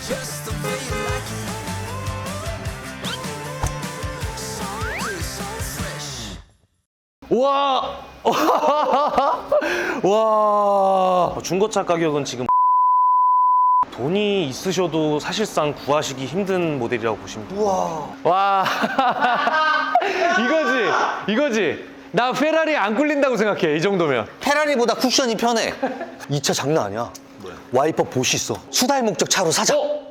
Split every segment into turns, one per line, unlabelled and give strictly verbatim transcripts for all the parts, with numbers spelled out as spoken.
우와! 와!
중고차 가격은 지금 돈이 있으셔도 사실상 구하시기 힘든 모델이라고 보시면 돼요.
우와.
와! 이거지! 이거지! 나 페라리 안 꿀린다고 생각해, 이 정도면.
페라리보다 쿠션이 편해. 이 차 장난 아니야. 와이퍼 보시 있어. 수다의 목적 차로 사자.
어?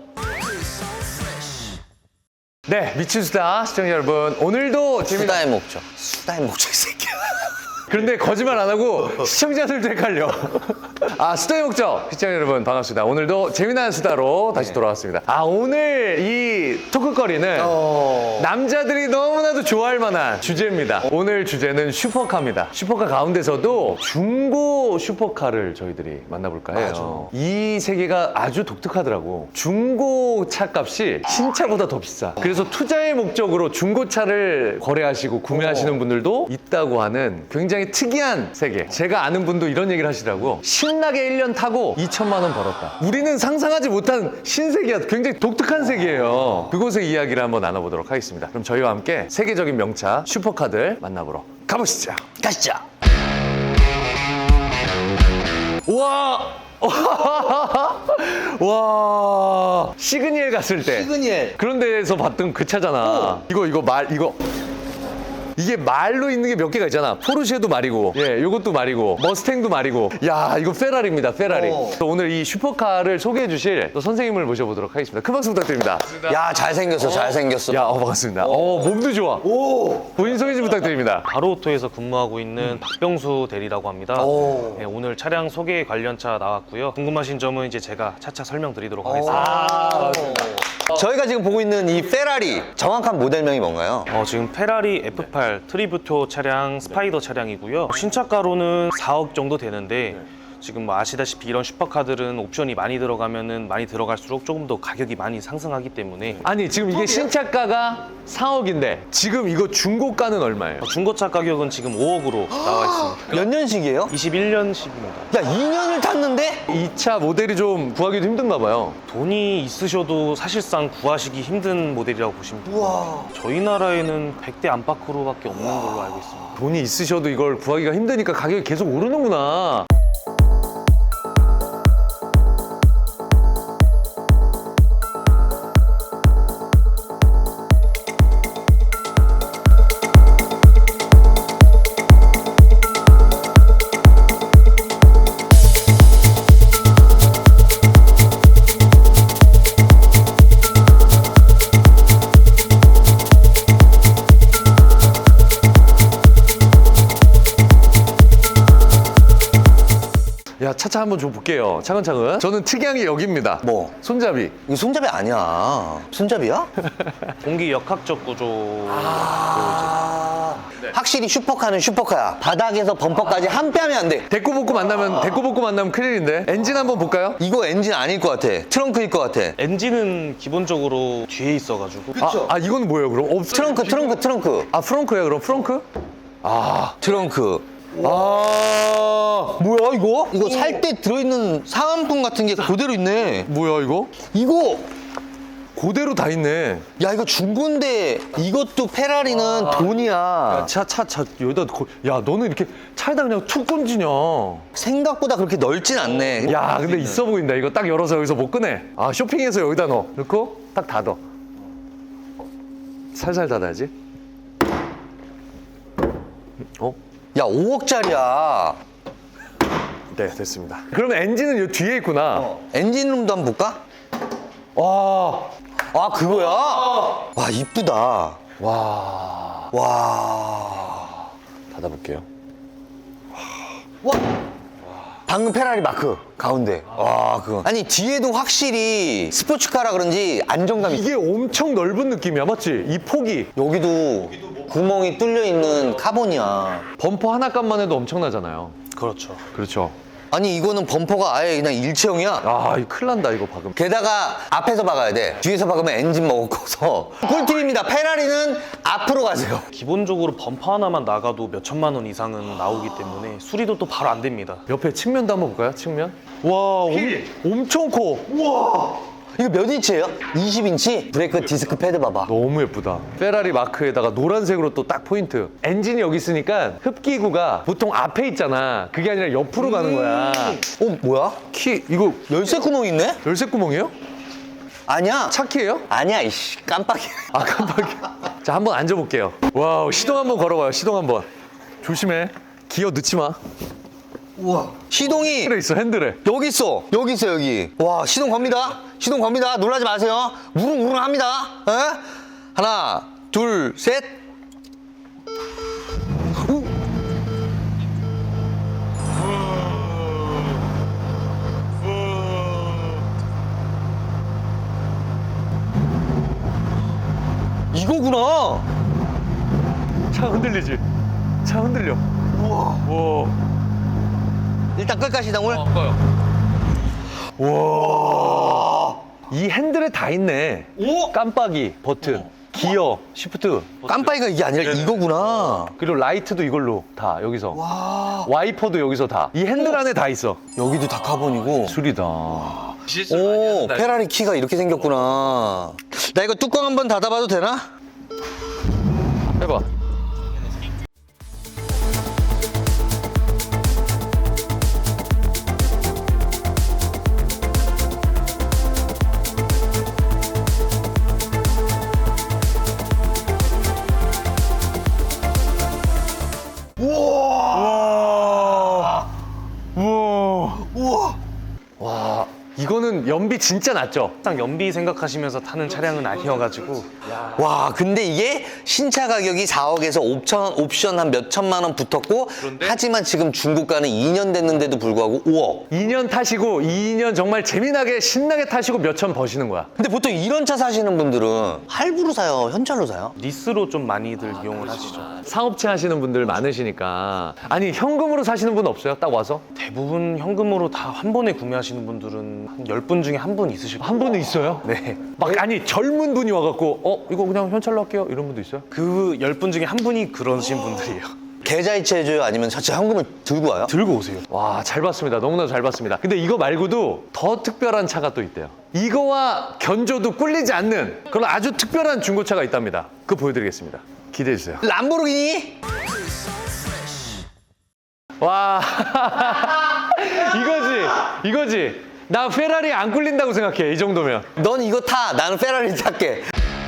네, 미친 수다 시청자 여러분, 오늘도 재미난
수다의 목적. 수다의 목적 이 새끼야.
그런데 거짓말 안 하고 시청자들도 헷갈려. 아, 수다의 목적 시청자 여러분 반갑습니다. 오늘도 재미난 수다로 다시 돌아왔습니다. 아, 오늘 이 토크거리는
어...
남자들이 너무나도 좋아할 만한 주제입니다. 오늘 주제는 슈퍼카입니다. 슈퍼카 가운데서도 중고 슈퍼카를 저희들이 만나볼까 해요. 이 세계가 아주 독특하더라고. 중고 차 값이 신차보다 더 비싸. 그래서 투자의 목적으로 중고차를 거래하시고 구매하시는 분들도 있다고 하는 굉장히 특이한 세계. 제가 아는 분도 이런 얘기를 하시더라고. 신나게 일 년 타고 이천만 원 벌었다. 우리는 상상하지 못한 신세계야. 굉장히 독특한 세계예요. 그곳의 이야기를 한번 나눠보도록 하겠습니다. 그럼 저희와 함께 세계적인 명차 슈퍼카들 만나보러 가보시죠.
가시죠.
우와! 와, 시그니엘 갔을 때
시그니엘.
그런 데에서 봤던 그 차잖아. 이거 이거 말 이거 이게 말로 있는 게 몇 개가 있잖아. 포르쉐도 말이고, 예, 요것도 말이고, 머스탱도 말이고. 야, 이거 페라리입니다, 페라리.
어.
오늘 이 슈퍼카를 소개해 주실 또 선생님을 모셔보도록 하겠습니다. 큰 박수 부탁드립니다.
야, 잘생겼어, 잘생겼어.
야, 어, 반갑습니다. 어, 몸도 좋아.
오.
본인 소개 좀 부탁드립니다.
바로오토에서 근무하고 있는 박병수 대리라고 합니다.
오.
네, 오늘 차량 소개 관련차 나왔고요. 궁금하신 점은 이제 제가 차차 설명드리도록 하겠습니다.
아,
저희가 지금 보고 있는 이 페라리 정확한 모델명이 뭔가요?
어, 지금 페라리 에프 팔 트리뷰토 차량 스파이더 차량이고요. 신차가로는 사억 정도 되는데 지금 뭐 아시다시피 이런 슈퍼카들은 옵션이 많이 들어가면은 많이 들어갈수록 조금 더 가격이 많이 상승하기 때문에
아니, 지금 이게 신차가가 사억인데 지금 이거 중고가는 얼마예요?
중고차 가격은 지금 오억으로 나와 있습니다.
몇 년식이에요?
이십일 년식입니다.
야, 이 년을 탔는데?
이 차 모델이 좀 구하기도 힘든가 봐요.
돈이 있으셔도 사실상 구하시기 힘든 모델이라고 보시면 돼요.
우와.
저희 나라에는 백 대 안팎으로밖에 없는 걸로 알고 있습니다.
돈이 있으셔도 이걸 구하기가 힘드니까 가격이 계속 오르는구나. 야, 차차 한번 좀 볼게요. 차근차근. 저는 특이한 게 여기입니다.
뭐?
손잡이.
이거 손잡이 아니야. 손잡이야?
공기 역학적 구조.
아. 확실히 슈퍼카는 슈퍼카야. 바닥에서 범퍼까지 한 뺨이 안 돼.
데코 복구 만나면 데코 복구 만나면 큰일인데. 엔진 한번 볼까요?
이거 엔진 아닐 것 같아. 트렁크일 것 같아.
엔진은 기본적으로 뒤에 있어가지고
아, 아, 이건 뭐예요, 그럼? 어,
트렁크, 트렁크, 트렁크.
아, 프렁크예요, 그럼? 프렁크? 아,
트렁크.
아,
뭐야, 이거? 이거 살 때 들어있는 사은품 같은 게 그대로 있네.
뭐야 이거?
이거!
그대로 다 있네.
야, 이거 중고인데 이것도 페라리는 돈이야.
차, 차, 차, 여기다, 거- 야, 너는 이렇게 차에다 그냥 툭 던지냐.
생각보다 그렇게 넓진 않네.
야, 근데 있어 보인다. 이거 딱 열어서 여기서 못 꺼내. 아, 쇼핑해서 여기다 넣어. 넣고 딱 닫아. 살살 닫아야지. 어?
야, 오억짜리야.
네, 됐습니다. 그러면 엔진은 요 뒤에 있구나.
엔진룸도 한번 볼까?
와,
아, 그거야? 와, 이쁘다.
와.
와.
닫아볼게요.
와. 방금 페라리 마크 가운데. 와, 그거. 아니, 뒤에도 확실히 스포츠카라 그런지 안정감이 있어.
이게 엄청 넓은 느낌이야, 맞지? 이 폭이.
여기도 구멍이 뚫려 있는 카본이야.
범퍼 하나 값만 해도 엄청나잖아요.
그렇죠.
그렇죠.
아니, 이거는 범퍼가 아예 그냥 일체형이야.
아, 이거 큰일 난다, 이거 박으면.
게다가 앞에서 박아야 돼. 뒤에서 박으면 엔진 먹어서. 꿀팁입니다. 페라리는 앞으로 가세요.
기본적으로 범퍼 하나만 나가도 몇 천만 원 이상은 나오기 때문에 수리도 또 바로 안 됩니다.
옆에 측면도 한번 볼까요? 측면? 와, 엄, 엄청 커. 우와.
이거 몇 인치예요? 이십 인치? 브레이크 디스크 패드 봐봐.
너무 예쁘다. 페라리 마크에다가 노란색으로 또 딱 포인트. 엔진이 여기 있으니까 흡기구가 보통 앞에 있잖아. 그게 아니라 옆으로 가는 거야.
어, 뭐야?
키 이거
열쇠 구멍 있네?
열쇠 구멍이에요?
아니야.
차 키예요?
아니야, 이씨. 깜빡이야.
아 깜빡이야. 자 한번 앉아볼게요. 와우 시동 한번 걸어봐요. 시동 한번. 조심해. 기어 넣지 마.
우와. 시동이
핸들에 있어 핸들에.
여기 있어. 여기 있어, 여기. 와, 시동 겁니다. 시동 겁니다. 놀라지 마세요. 우릉우릉 합니다. 에? 하나, 둘, 셋. 오. 이거구나.
차 흔들리지? 차 흔들려.
우와.
와.
일단 끌까, 시동을?
와. 이 핸들에 다 있네.
오.
깜빡이 버튼, 기어, 시프트.
깜빡이가 이게 아니라 이거구나.
그리고 라이트도 이걸로 다 여기서.
와.
와이퍼도 여기서 다. 이 핸들 안에 다 있어.
여기도 다 카본이고.
술이다.
오, 페라리 키가 이렇게 생겼구나. 나 이거 뚜껑 한번 닫아봐도 되나?
해봐.
우와.
우와.
우와.
와. 이거는 연비 진짜 낮죠?
딱 연비 생각하시면서 타는 차량은 아니어가지고
와, 근데 이게 신차 가격이 사억에서 옵션, 옵션 한 몇 천만 원 붙었고, 하지만 지금 중고가는 이 년 됐는데도 불구하고 오억.
이 년 타시고 이 년 정말 재미나게 신나게 타시고 몇 천 버시는 거야.
근데 보통 이런 차 사시는 분들은 할부로 사요? 현찰로 사요?
리스로 좀 많이들 이용을 하시죠.
사업체 하시는 분들 많으시니까. 아니 현금으로 사시는 분 없어요? 딱 와서?
대부분 현금으로 다 한 번에 구매하시는 분들은 한 열 분 중에 한 분 있으실 거예요.
한 분은 있어요?
네.
막 아니 젊은 분이 와갖고 어 이거 그냥 현찰로 할게요 이런 분도 있어요?
그 열 분 중에 한 분이 그러신 분들이에요.
계좌이체 해줘요? 아니면 자체 현금을 들고 와요?
들고 오세요.
와 잘 봤습니다. 너무나 잘 봤습니다. 근데 이거 말고도 더 특별한 차가 또 있대요. 이거와 견조도 꿀리지 않는 그런 아주 특별한 중고차가 있답니다. 그거 보여드리겠습니다. 기대해 주세요.
람보르기니?
와 이거지 이거지. 나 페라리 안 꿀린다고 생각해 이 정도면.
넌 이거 타. 나는 페라리 탈게.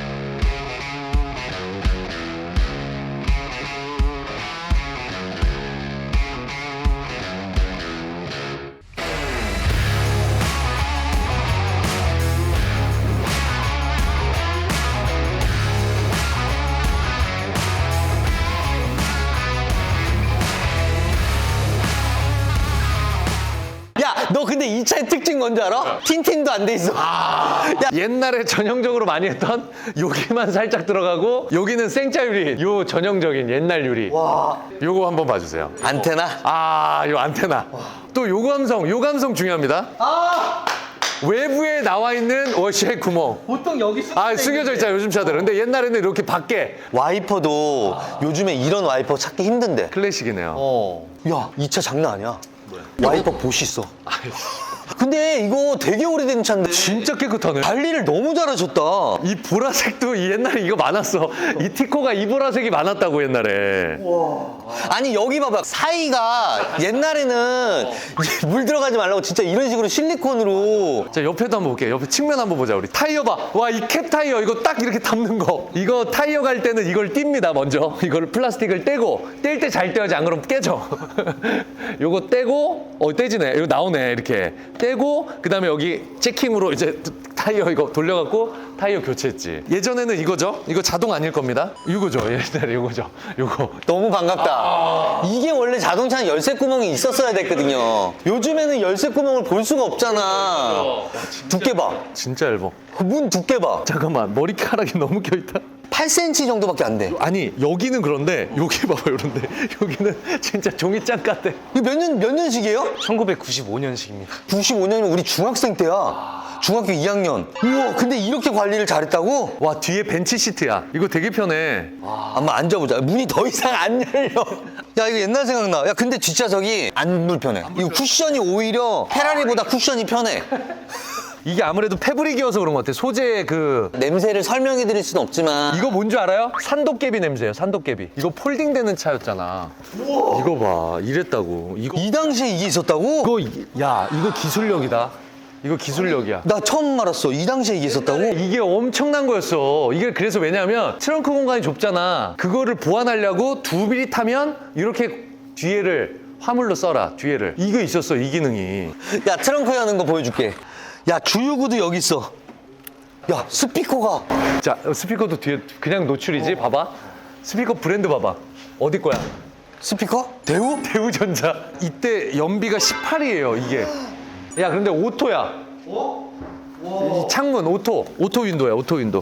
야, 너 근데 이 차의 특징 뭔지 알아? 틴틴도 안 돼 있어. 야,
옛날에 전형적으로 많이 했던 여기만 살짝 들어가고 여기는 생짜 유리. 요 전형적인 옛날 유리.
와.
요거 한번 봐주세요.
안테나?
아, 요 안테나. 또 요 감성, 요 감성 중요합니다.
아!
외부에 나와 있는 워시의 구멍.
보통 여기 쓰
아, 숨겨져 있잖아요, 요즘 차들은. 근데 옛날에는 이렇게 밖에.
와이퍼도 요즘에 이런 와이퍼 찾기 힘든데.
클래식이네요.
어. 야, 이 차 장난 아니야. 와이퍼 보시 있어. 근데 이거 되게 오래된 차인데
진짜 깨끗하네.
관리를 너무 잘하셨다.
이 보라색도 이 옛날에 이거 많았어. 이 티코가 이 보라색이 많았다고 옛날에.
아니 여기 봐봐, 사이가 옛날에는 물 들어가지 말라고 진짜 이런 식으로 실리콘으로.
자 옆에도 한번 볼게요. 옆에 측면 한번 보자 우리. 타이어 봐. 와 이 캡 타이어 이거 딱 이렇게 담는 거. 이거 타이어 갈 때는 이걸 띱니다 먼저. 이걸 플라스틱을 떼고 뗄 때 잘 떼야지 안 그러면 깨져. 요거 떼고 어 떼지네. 이거 나오네 이렇게. 떼고 그다음에 여기 체킹으로 이제 타이어 이거 돌려갖고 타이어 교체했지. 예전에는 이거죠. 이거 자동 아닐 겁니다. 이거죠. 옛날에 이거죠. 이거.
너무 반갑다. 이게 원래 자동차는 열쇠 구멍이 있었어야 됐거든요. 요즘에는 열쇠 구멍을 볼 수가 없잖아. 두께 봐.
진짜 얇어.
문 두께 봐.
잠깐만 머리카락이 너무 껴있다.
팔 센티미터 정도밖에 안 돼.
아니 여기는 그런데 여기 봐봐 이런데 여기는 진짜 종이장 같아.
이거 몇 년, 몇 년식이에요?
천구백구십오 년식입니다.
구십오 년이면 우리 중학생 때야. 중학교 이 학년. 우와, 근데 이렇게 관리를 잘했다고?
와 뒤에 벤치 시트야. 이거 되게 편해.
한번 앉아보자. 문이 더 이상 안 열려. 야, 이거 옛날 생각나. 야, 근데 뒷좌석이 안 불편해. 이거 쿠션이 오히려 페라리보다 쿠션이 편해.
이게 아무래도 패브릭이어서 그런 것 같아. 소재 그
냄새를 설명해 드릴 수는 없지만
이거 뭔 줄 알아요? 산도깨비 냄새예요. 산도깨비. 이거 폴딩되는 차였잖아. 이거 봐. 이랬다고. 이거
이 당시에 이게 있었다고?
이거 이- 야 이거 기술력이다. 이거 기술력이야.
나 처음 알았어. 이 당시에 이게 있었다고?
이게 엄청난 거였어. 이게 그래서 왜냐면 트렁크 공간이 좁잖아. 그거를 보완하려고 두 비리 타면 이렇게 뒤에를 화물로 써라. 뒤에를. 이거 있었어. 이 기능이.
야, 트렁크 여는 거 보여줄게. 야, 주유구도 여기 있어. 야, 스피커가.
자 스피커도 뒤에 그냥 노출이지. 봐봐. 스피커 브랜드 봐봐. 어디 거야?
스피커? 대우?
대우전자. 이때 연비가 십팔이에요. 이게. 야 근데 오토야. 이 창문 오토. 오토 윈도야. 오토 윈도.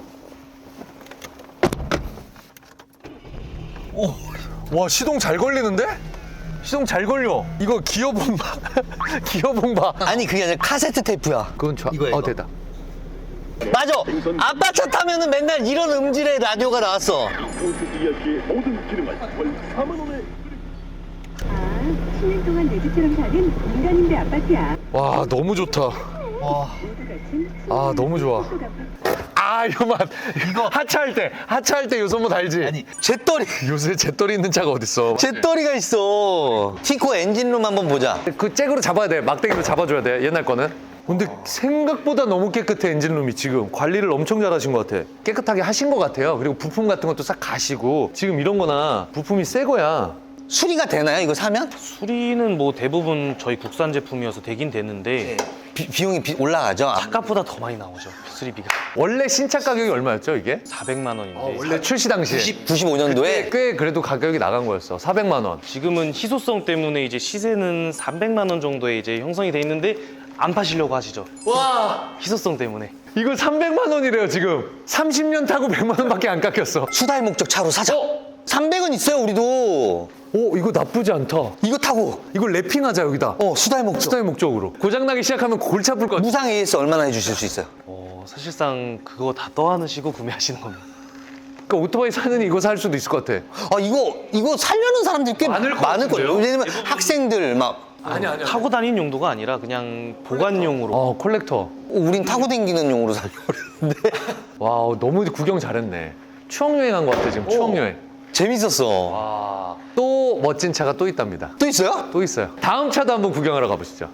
오, 와 시동 잘 걸리는데? 시동 잘 걸려. 이거 기어봉 봐. 기어봉 봐.
아니, 그게 아니라 카세트 테이프야.
그건 좋아.
이거야,
어
이거.
됐다.
맞아. 아빠 차 타면은 맨날 이런 음질의 라디오가 나왔어.
이야기의 모든 기능을 월 사만 원에
아, 십 년 동안 내 집처럼 사는 인간인데 아파트야.
와 너무 좋다.
와.
아 너무 좋아. 아 이거 맛. 이거 하차할 때 하차할 때 요소모 알지?
아니, 잿더리.
요새 잿더리 있는 차가 어딨어?
잿더리가 있어. 티코 엔진룸 한번 보자.
그 잭으로 잡아야 돼. 막대기로 잡아줘야 돼. 옛날 거는. 근데 생각보다 너무 깨끗해 엔진룸이 지금 관리를 엄청 잘하신 것 같아. 깨끗하게 하신 것 같아요. 그리고 부품 같은 것도 싹 가시고 지금 이런 거나 부품이 새 거야.
수리가 되나요, 이거 사면?
수리는 뭐 대부분 저희 국산 제품이어서 되긴 되는데
비, 비용이 비- 올라가죠? 아,
아까보다 더 많이 나오죠. 수리비가.
원래 신차 가격이 얼마였죠 이게?
사백만 원인데
원래 출시 당시에
구십오 년도에
꽤 그래도 가격이 나간 거였어. 사백만 원.
지금은 희소성 때문에 이제 시세는 삼백만 원 정도에 이제 형성이 돼 있는데 안 파시려고 하시죠.
와
희소성 때문에.
이거 삼백만 원이래요 지금. 삼십 년 타고 백만 원밖에 안 깎였어.
수달 목적 차로 사자. 삼백은 있어요, 우리도.
오 이거 나쁘지 않다.
이거 타고.
이거 랩핑하자 여기다.
어, 수달 목적.
수다의 목적으로. 고장나기 시작하면 골치 아플 것 같아.
무상 에이에스 얼마나 해주실 수 있어요?
어, 사실상 그거 다 떠안으시고 구매하시는 겁니다.
그러니까 오토바이 사느니 이거 살 수도 있을 것 같아.
아, 이거, 이거 살려는 사람들이 꽤
많을 것
많을 거예요.
같은데요?
왜냐면 학생들 막,
아니 아니.
타고 다니는 용도가 아니라 그냥 보관용으로.
어 콜렉터.
우린 타고 다니는 용으로 살려고 그랬는데.
와 너무 구경 잘했네. 추억 여행한 것 같아 지금. 추억 여행.
재밌었어.
와. 또 멋진 차가 또 있답니다.
또 있어요?
또 있어요. 다음 차도 한번 구경하러 가보시죠.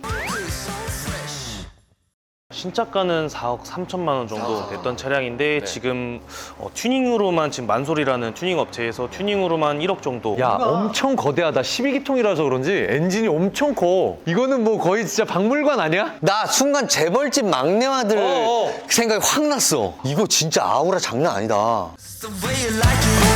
신차가는 사억 삼천만 원 정도 됐던 차량인데 지금 어, 튜닝으로만 지금 만솔이라는 튜닝 업체에서 튜닝으로만 일억 정도.
야 엄청 거대하다. 십이 기통이라서 그런지 엔진이 엄청 커. 이거는 뭐 거의 진짜 박물관 아니야?
나 순간 재벌집 막내 아들
어, 어.
생각이 확 났어. 이거 진짜 아우라 장난 아니다.
The way you like it.